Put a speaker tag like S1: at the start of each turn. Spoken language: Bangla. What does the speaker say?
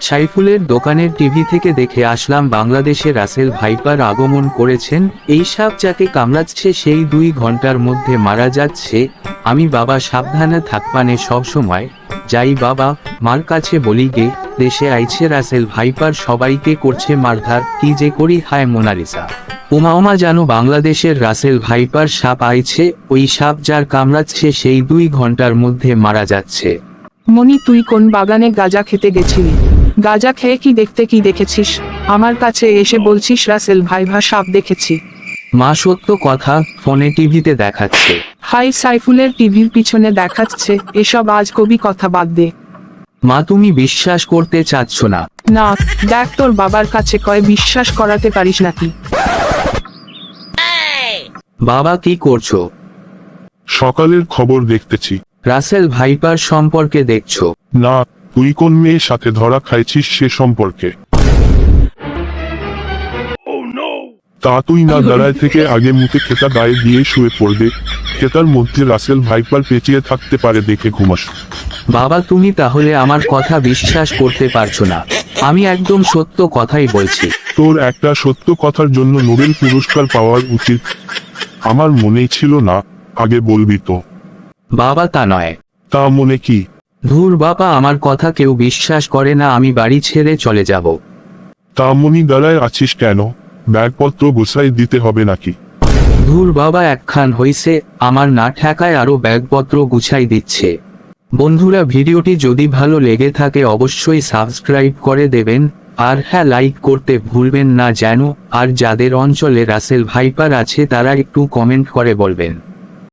S1: সাইফুলের দোকানের টিভি থেকে দেখে আসলাম বাংলাদেশে রাসেল ভাইপার আগমন করেছেন। এই সাপ যাকে কামড়াচ্ছে সেই 2 ঘন্টার মধ্যে মারা যাচ্ছে। আমি বাবা সাবধানে থাকবানে সবসময় যাই বাবা, মার কাছে বলি গে, দেশে আইছে রাসেল ভাইপার, সবাইকে করছে মারধার, কি যে করি হায় মোনালিসা। উমা জানো বাংলাদেশের রাসেল ভাইপার সাপ আইছে, ওই সাপ যার কামড়াচ্ছে সেই 2 ঘন্টার মধ্যে মারা যাচ্ছে।
S2: মনি, তুই কোন বাগানে গাঁজা খেতে গেছিলি? গাঁজা খেয়ে কি দেখেছিস? আমার কাছে এসে বলছিস রাসেল ভাইভা সাপ দেখেছি।
S1: মা সত্য কথা, ফোনে টিভিতে দেখাচ্ছে।
S2: হাই, সাইফুলের টিভির পিছনে দেখাচ্ছে, এসব আজগবি কথা বাদ দে।
S1: মা তুমি বিশ্বাস করতে চাচ্ছ না?
S2: না, দেখ তোর বাবার কাছে কয় বিশ্বাস করাতে পারিস নাকি।
S1: বাবা কি করছো?
S3: সকালের খবর দেখতেছি।
S1: রাসেল ভাইপার সম্পর্কে দেখছো?
S3: না, তুই কোন মেয়ের সাথে ধরা খাইছিস সে সম্পর্কে। তা তুই না দাঁড়ায় থেকে আগে মুখে খেতা গায়ে দিয়ে শুয়ে পড়বে, খেতার মধ্যে রাসেল ভাইপার পেঁচিয়ে থাকতে পারে দেখে ঘুমাস।
S1: বাবা তুমি তাহলে আমার কথা বিশ্বাস করতে পারছো না? আমি একদম সত্য কথাই বলছি।
S3: তোর একটা সত্য কথার জন্য নোবেল পুরস্কার পাওয়ার উচিত। আমার মনেই ছিল না, আগে বলবি তো।
S1: বাবা তা নয়।
S3: তা মনে কি?
S1: ধুর বাবা, আমার কথা কেউ বিশ্বাস করে না, আমি বাড়ি ছেড়ে চলে যাব।
S3: তা মনি দাঁড়ায় আছিস কেন? ব্যাগপত্র গুছাই দিতে হবে নাকি?
S1: ধুর বাবা, একখান হইছে, আমার না ঠেকায় আরো ব্যাগপত্র গুছাই দিচ্ছে। বন্ধুরা, ভিডিওটি যদি ভালো লেগে থাকে অবশ্যই সাবস্ক্রাইব করে দেবেন, আর হ্যাঁ, লাইক করতে ভুলবেন না যেন। আর যাদের অঞ্চলে রাসেল ভাইপার আছে তারা একটু কমেন্ট করে বলবেন।